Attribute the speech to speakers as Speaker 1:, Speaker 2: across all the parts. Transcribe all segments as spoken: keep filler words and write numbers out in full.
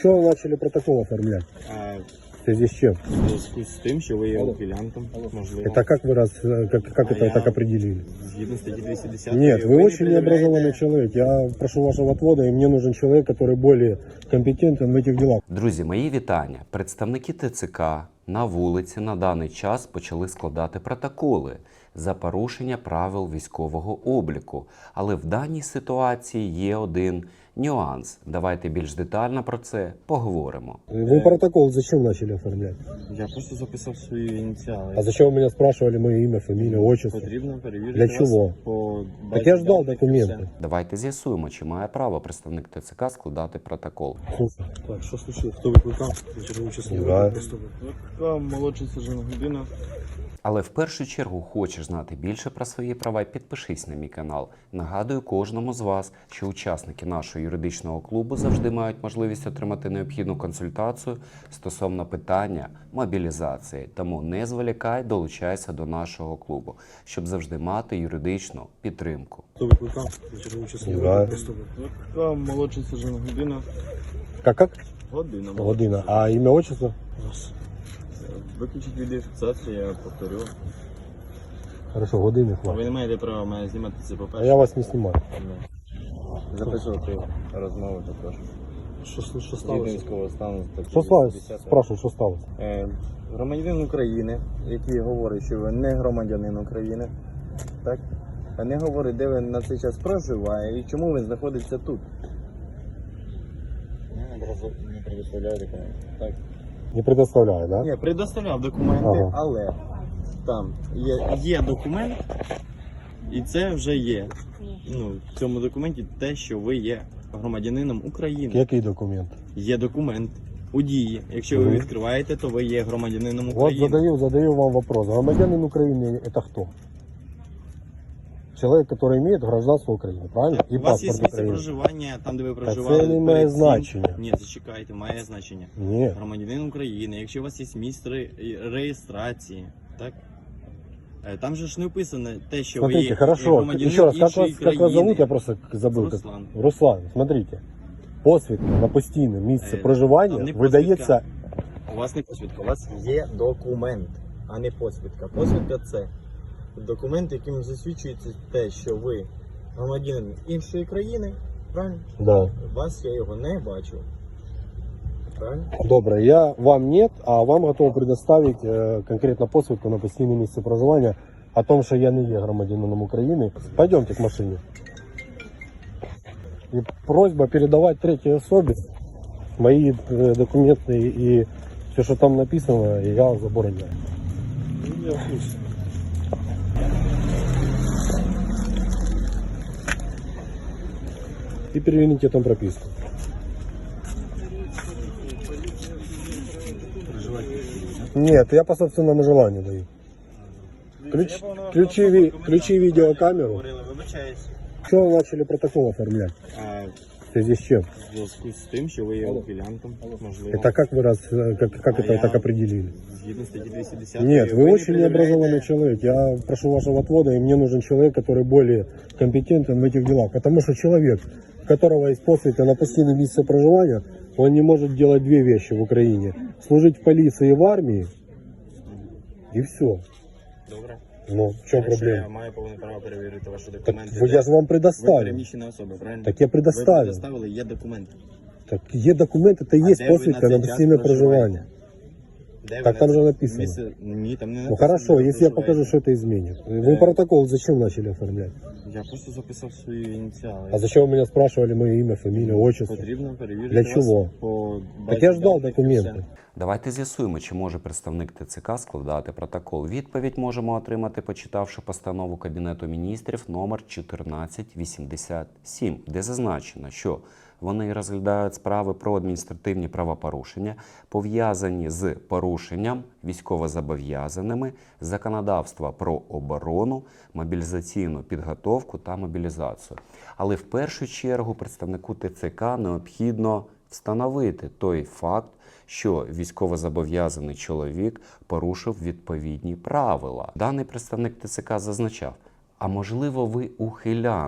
Speaker 1: Что вы начали протокол оформлять?
Speaker 2: А,
Speaker 1: В связи с чем?
Speaker 2: в зв'язку з тим, що ви є ухилянтом, можливо.
Speaker 1: Это как вы раз, как, как
Speaker 2: А
Speaker 1: это
Speaker 2: я-
Speaker 1: так определили?
Speaker 2: Згідно статті двісті десять.
Speaker 1: Нет, вы очень необразованный человек. Я прошу вашего отвода, и мне нужен человек, который более компетентен в этих делах.
Speaker 3: Друзі, мої вітання. Представники ТЦК на вулиці на даний час почали складати протоколи за порушення правил військового обліку. Але в даній ситуації є один нюанс. Давайте більш детально про це поговоримо.
Speaker 1: Вы протокол зачем начали оформлять?
Speaker 2: Я просто записав свої ініціали.
Speaker 1: А зачем вы меня спрашивали мое имя, фамилия, отчество?
Speaker 2: Потрібно перевірити
Speaker 1: Для
Speaker 2: вас
Speaker 1: чого?
Speaker 2: по
Speaker 1: Так я
Speaker 2: базі
Speaker 1: ждал
Speaker 2: даних і
Speaker 1: документы.
Speaker 2: все.
Speaker 3: Давайте з'ясуємо, чи має право представник ТЦК складати протокол.
Speaker 1: Слушай,
Speaker 4: Так, що случилось? Хто викликав? На чергову частину.
Speaker 1: Да.
Speaker 2: Викликав молодший сержант Гудина.
Speaker 3: Але в першу чергу хочеш знати більше про свої права, підпишись на мій канал. Нагадую кожному з вас, що учасники нашого юридичного клубу завжди мають можливість отримати необхідну консультацію стосовно питання мобілізації. Тому не зволікай, долучайся до нашого клубу, щоб завжди мати юридичну підтримку.
Speaker 4: Хто викликав? На чергову частину.
Speaker 1: Да.
Speaker 2: Викликав молодший сержант Гудина.
Speaker 1: как как?
Speaker 2: Година.
Speaker 1: Година. А имя, отчество?
Speaker 4: Раз.
Speaker 2: Виключіть відеофіксацію, я повторю.
Speaker 1: Хорошо, годины
Speaker 2: А
Speaker 1: хватит.
Speaker 2: ви не маєте права мене знімати це
Speaker 1: А
Speaker 2: по-перше.
Speaker 1: я вас не снимаю.
Speaker 2: Записувати розмови також.
Speaker 4: Що, що
Speaker 2: Згідно
Speaker 4: сталося?
Speaker 2: військового стану. статті
Speaker 1: Что сталося?
Speaker 2: вісімдесят.
Speaker 1: Спрашиваю, что сталося?
Speaker 2: Е, Громадянин України, який говорить, що ви не громадянин України, так? А не говорить, де він на цей час проживає і чому він знаходиться тут. Не предоставляю документи. Так.
Speaker 1: Не предоставляю, да?
Speaker 2: Ні, предоставляв документи,
Speaker 1: Ага.
Speaker 2: але там є, є документ, і це вже є. Ну, в цьому документі те, що ви є громадянином України.
Speaker 1: Який документ?
Speaker 2: Є документ у дії. Якщо ви
Speaker 1: Мгм.
Speaker 2: відкриваєте, то ви є громадянином
Speaker 1: Вот
Speaker 2: України.
Speaker 1: задаю, задаю вам вопрос. Громадянин Украины это кто? Человек, который имеет гражданство Украины, правильно? И
Speaker 2: У вас є
Speaker 1: паспорт
Speaker 2: місце
Speaker 1: Украины.
Speaker 2: проживання, там, де ви
Speaker 1: це
Speaker 2: проживали.
Speaker 1: не має
Speaker 2: перед цим.
Speaker 1: значення.
Speaker 2: Ні, зачекайте, має значення.
Speaker 1: Нет.
Speaker 2: Громадянин України, якщо у вас є місце ре- реєстрації, так? Е, Там же ж не описано те, що ви
Speaker 1: Смотрите,
Speaker 2: є
Speaker 1: хорошо.
Speaker 2: громадянин
Speaker 1: Еще раз, как
Speaker 2: іншої
Speaker 1: вас, как вас
Speaker 2: країни.
Speaker 1: зовут? Я просто забыл. как-
Speaker 2: Руслан.
Speaker 1: Руслан, смотрите. Посвідка на постійне місце
Speaker 2: Е,
Speaker 1: проживання
Speaker 2: там не
Speaker 1: видається.
Speaker 2: У вас не посвідка, у вас є документ, а не посвідка. Посвідка це документ, яким засвідчується те, що ви громадянин іншої країни, правильно?
Speaker 1: Да.
Speaker 2: Вас я його не бачу. Правильно?
Speaker 1: Добре, я вам нет, а вам готов предоставить е, конкретно посвідку на постійне місце проживання о том, що я не є громадянином України. Пойдемте к машине. И просьба передавать третьей особе мои э, документы и все, что там написано, я забороняю.
Speaker 4: Ну, я в курсі.
Speaker 1: И переверните там прописку. Нет, я по собственному желанию даю. Ключ, ключи, ви- ключи видеокамеру.
Speaker 2: Говорили, вибачаюсь.
Speaker 1: Что вы начали протокол оформлять?
Speaker 2: А,
Speaker 1: В связи с чем?
Speaker 2: в зв'язку з тим, що ви є ухилянтом, можливо.
Speaker 1: Это как вы раз, э, как, как
Speaker 2: А
Speaker 1: это
Speaker 2: я-
Speaker 1: так определили?
Speaker 2: Згідно статті двісті десять.
Speaker 1: Нет, вы очень необразованный человек. Я прошу вашего отвода, и мне нужен человек, который более компетентен в этих делах. Потому что человек, у которого есть посвідка на постійне місце проживання, он не может делать две вещи в Украине. Служить в полиции и в армии, и все.
Speaker 2: Добре.
Speaker 1: Ну, в чем
Speaker 2: Якщо Я
Speaker 1: проблема?
Speaker 2: маю повне право перевірити ваші
Speaker 1: Так
Speaker 2: документи.
Speaker 1: вы- я же вам
Speaker 2: Ви
Speaker 1: предоставил.
Speaker 2: переміщена особа, правильно?
Speaker 1: Так я
Speaker 2: Ви
Speaker 1: предоставил.
Speaker 2: предоставили, є документи.
Speaker 1: Так є документы, это
Speaker 2: А
Speaker 1: есть
Speaker 2: де ви
Speaker 1: посвідка
Speaker 2: на
Speaker 1: на
Speaker 2: цей
Speaker 1: постійне
Speaker 2: час проживаєте?
Speaker 1: проживання.
Speaker 2: Де ви
Speaker 1: Так
Speaker 2: на
Speaker 1: там
Speaker 2: це-
Speaker 1: же написано.
Speaker 2: Місце... Ні, там не
Speaker 1: Ну
Speaker 2: написано.
Speaker 1: хорошо,
Speaker 2: де ви
Speaker 1: если я
Speaker 2: проживаєте.
Speaker 1: покажу, что это изменит. Вы
Speaker 2: Э.
Speaker 1: протокол зачем начали оформлять?
Speaker 2: Я просто записав свої ініціали.
Speaker 1: А зачем вы меня спрашивали мое имя, фамилия, отчество?
Speaker 2: Потрібно перевірити
Speaker 1: Для
Speaker 2: вас
Speaker 1: чого?
Speaker 2: по
Speaker 1: Так
Speaker 2: базі
Speaker 1: я ждал
Speaker 2: даних і
Speaker 1: документы.
Speaker 2: все.
Speaker 3: Давайте з'ясуємо, чи може представник ТЦК складати протокол. Відповідь можемо отримати, почитавши постанову Кабінету міністрів номер чотирнадцять вісімдесят сім, де зазначено, що вони розглядають справи про адміністративні правопорушення, пов'язані з порушенням військовозобов'язаними, законодавства про оборону, мобілізаційну підготовку та мобілізацію. Але в першу чергу представнику ТЦК необхідно встановити той факт, що військовозобов'язаний чоловік порушив відповідні правила. Даний представник ТЦК зазначав, а можливо ви ухилянт,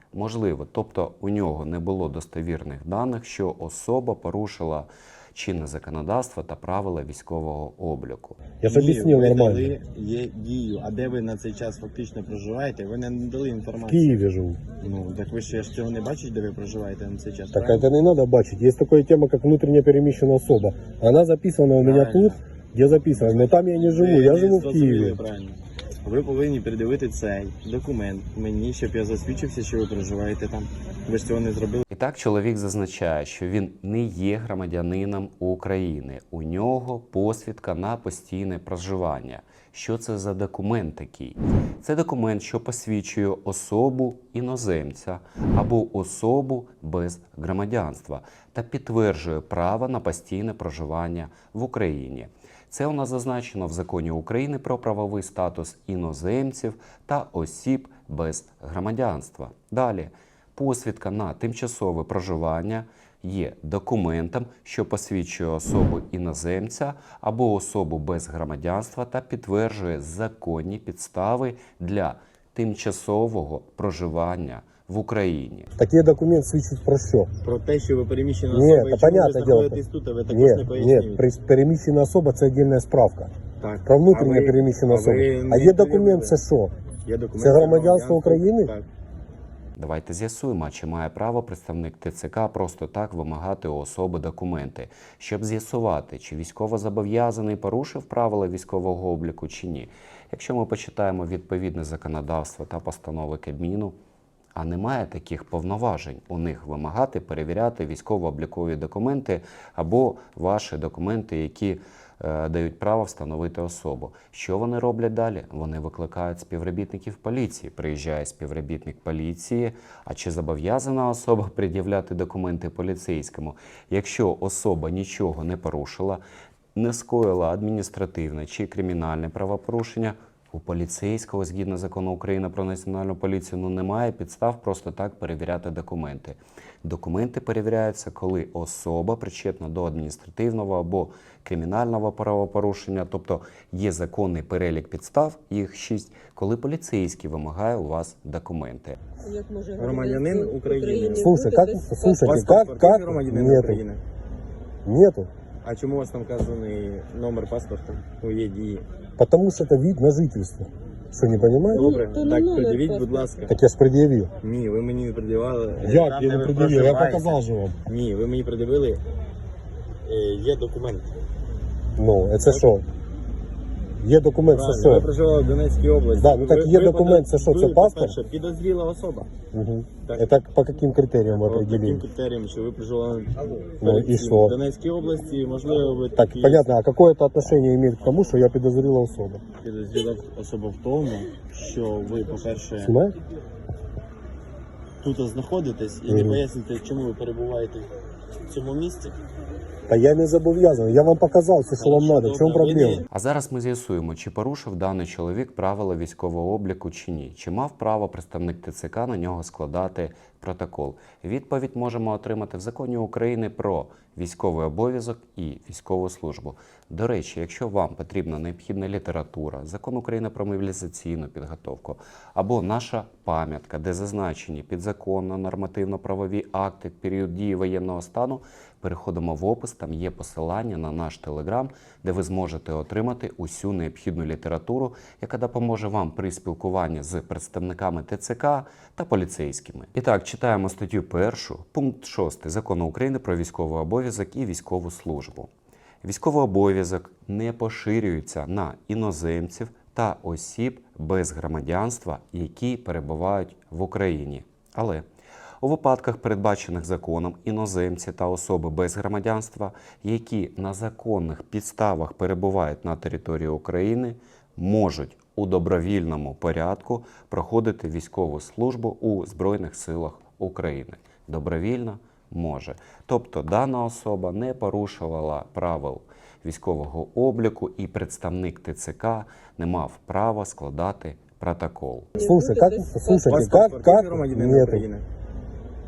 Speaker 3: Можливо, тобто у нього не було достовірних даних, що особа порушила чинне законодавство та правила військового обліку.
Speaker 1: Я ж
Speaker 2: Ні,
Speaker 1: объяснил
Speaker 2: ви
Speaker 1: нормально.
Speaker 2: дали є дію, а де ви на цей час фактично проживаєте, ви не дали
Speaker 1: В
Speaker 2: інформацію.
Speaker 1: Киеве живу.
Speaker 2: Ну, так ви ще ж цього не бачите, де ви проживаєте на цей час,
Speaker 1: Так
Speaker 2: правильно?
Speaker 1: это не надо бачить. Есть такая тема, как внутренне перемещенная особа. Она записана у меня
Speaker 2: Правильно.
Speaker 1: тут, где записано. Но там я не живу,
Speaker 2: Ви
Speaker 1: я
Speaker 2: не
Speaker 1: живу в
Speaker 2: зрозуміли
Speaker 1: Киеве.
Speaker 2: правильно. Ви повинні пред'явити цей документ мені, щоб я засвідчився, що ви проживаєте там. Ви ж цього не зробили.
Speaker 3: І так чоловік зазначає, що він не є громадянином України. У нього посвідка на постійне проживання. Що це за документ такий? Це документ, що посвідчує особу іноземця або особу без громадянства та підтверджує право на постійне проживання в Україні. Це у нас зазначено в Законі України про правовий статус іноземців та осіб без громадянства. Далі. Посвідка на тимчасове проживання є документом, що посвідчує особу іноземця або особу без громадянства та підтверджує законні підстави для тимчасового проживання в Україні.
Speaker 1: Такие документы свідчать про що?
Speaker 2: Про те, що ви переміщена
Speaker 1: Ні,
Speaker 2: особа,
Speaker 1: та
Speaker 2: і чому ви
Speaker 1: понятне
Speaker 2: знаходитесь
Speaker 1: діло.
Speaker 2: тут, а ви також
Speaker 1: Ні,
Speaker 2: не пояснюєте.
Speaker 1: ні, при- переміщена особа це отдельна справка.
Speaker 2: Так.
Speaker 1: Про внутрішнє
Speaker 2: А ви-
Speaker 1: переміщена
Speaker 2: а ви
Speaker 1: особа.
Speaker 2: не
Speaker 1: А є документ,
Speaker 2: перевірили?
Speaker 1: це що?
Speaker 2: Є документ
Speaker 1: Це
Speaker 2: про
Speaker 1: громадянство України?
Speaker 2: Так.
Speaker 3: Давайте з'ясуємо, чи має право представник ТЦК просто так вимагати у особи документи, щоб з'ясувати, чи військовозобов'язаний порушив правила військового обліку чи ні. Якщо ми почитаємо відповідне законодавство та постанови Кабміну, а немає таких повноважень у них вимагати перевіряти військово-облікові документи або ваші документи, які е, дають право встановити особу. Що вони роблять далі? Вони викликають співробітників поліції. Приїжджає співробітник поліції, а чи зобов'язана особа пред'являти документи поліцейському? Якщо особа нічого не порушила, не скоїла адміністративне чи кримінальне правопорушення, у поліцейського, згідно закону України про національну поліцію, ну немає підстав просто так перевіряти документи. Документи перевіряються, коли особа причетна до адміністративного або кримінального правопорушення, тобто є законний перелік підстав, їх шість, коли поліцейський вимагає у вас документи.
Speaker 5: Як може
Speaker 2: Громадянин України.
Speaker 1: Слушай, как,
Speaker 5: бути без
Speaker 1: слушайте,
Speaker 2: Паспорт
Speaker 1: как,
Speaker 2: паспортний
Speaker 1: как,
Speaker 2: громадянин
Speaker 1: нету,
Speaker 2: України.
Speaker 1: нету.
Speaker 2: А чому у вас там вказаний номер паспорту у є дії?
Speaker 1: Потому что это вид на жительство. Что, не понимаете?
Speaker 2: Добре,
Speaker 5: то не
Speaker 2: так
Speaker 5: номер
Speaker 2: пред'явіть, будь
Speaker 5: паспорту.
Speaker 2: ласка.
Speaker 1: Так я ж предъявил.
Speaker 2: Ні, ви мені не пред'явили.
Speaker 1: Як
Speaker 2: Там,
Speaker 1: я
Speaker 2: де
Speaker 1: не
Speaker 2: ви
Speaker 1: предъявил? Я
Speaker 2: проживаєте.
Speaker 1: показал же вам.
Speaker 2: Ні, ви мені пред'явили. е, Є документ.
Speaker 1: Ну, это что? Є документ, це
Speaker 2: Правильно, ви
Speaker 1: що?
Speaker 2: проживали в Донецькій області.
Speaker 1: Да, ну так
Speaker 2: Ви-
Speaker 1: є
Speaker 2: ви
Speaker 1: документ,
Speaker 2: подо-
Speaker 1: це що, це
Speaker 2: ви,
Speaker 1: паспорт?
Speaker 2: по-перше, підозріла особа.
Speaker 1: Угу.
Speaker 2: Так.
Speaker 1: Это по каким критериям вы
Speaker 2: По таким
Speaker 1: определили?
Speaker 2: критеріям, що ви проживали
Speaker 1: Ну,
Speaker 2: перед
Speaker 1: і
Speaker 2: цим
Speaker 1: що?
Speaker 2: в Донецькій області, можливо, ви
Speaker 1: Так,
Speaker 2: такі
Speaker 1: понятно, а какое это отношение имеет к тому, что я подозрела особу?
Speaker 2: підозріла особа в тому, що ви, по-перше,
Speaker 1: Снимаешь?
Speaker 2: тут знаходитесь і не
Speaker 1: Мгм.
Speaker 2: поясните, чому ви перебуваєте в цьому місці.
Speaker 1: Та я не зобов'язаний, я вам показав все, що вам
Speaker 2: Хорошо,
Speaker 1: треба. В чому
Speaker 2: добре, ви
Speaker 1: проблема?
Speaker 2: не-
Speaker 3: А зараз ми з'ясуємо, чи порушив даний чоловік правила військового обліку чи ні. Чи мав право представник ТЦК на нього складати протокол? Відповідь можемо отримати в Законі України про військовий обов'язок і військову службу. До речі, якщо вам потрібна необхідна література, Закон України про мобілізаційну підготовку або наша пам'ятка, де зазначені підзаконно нормативно-правові акти в період дії воєнного стану, переходимо в опис, там є посилання на наш телеграм, де ви зможете отримати усю необхідну літературу, яка допоможе вам при спілкуванні з представниками ТЦК та поліцейськими. І так, читаємо статтю першу, пункт шостий Закону України про військовий обов'язок і військову службу. Військовий обов'язок не поширюється на іноземців та осіб без громадянства, які перебувають в Україні. Але у випадках, передбачених законом, іноземці та особи без громадянства, які на законних підставах перебувають на території України, можуть у добровільному порядку проходити військову службу у Збройних силах України. Добровільно може. Тобто дана особа не порушувала правил військового обліку і представник ТЦК не мав права складати протокол.
Speaker 1: Слушай, как, слушайте,
Speaker 2: Паспорт
Speaker 1: как,
Speaker 2: квартири
Speaker 1: как,
Speaker 2: громадянина
Speaker 1: нету,
Speaker 2: України.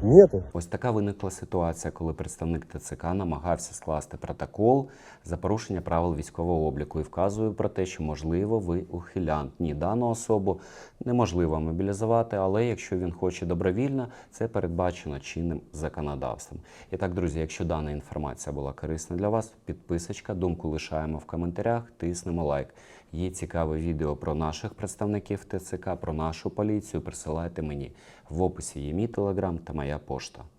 Speaker 1: Нету.
Speaker 3: Ось така виникла ситуація, коли представник ТЦК намагався скласти протокол за порушення правил військового обліку і вказує про те, що, можливо, ви ухилянт. Ні, дану особу неможливо мобілізувати, але якщо він хоче добровільно, це передбачено чинним законодавством. І так, друзі, якщо дана інформація була корисна для вас, підписочка, думку лишаємо в коментарях, тиснемо лайк. Є цікаве відео про наших представників ТЦК, про нашу поліцію, присилайте мені. В описі є мій телеграм та моя пошта.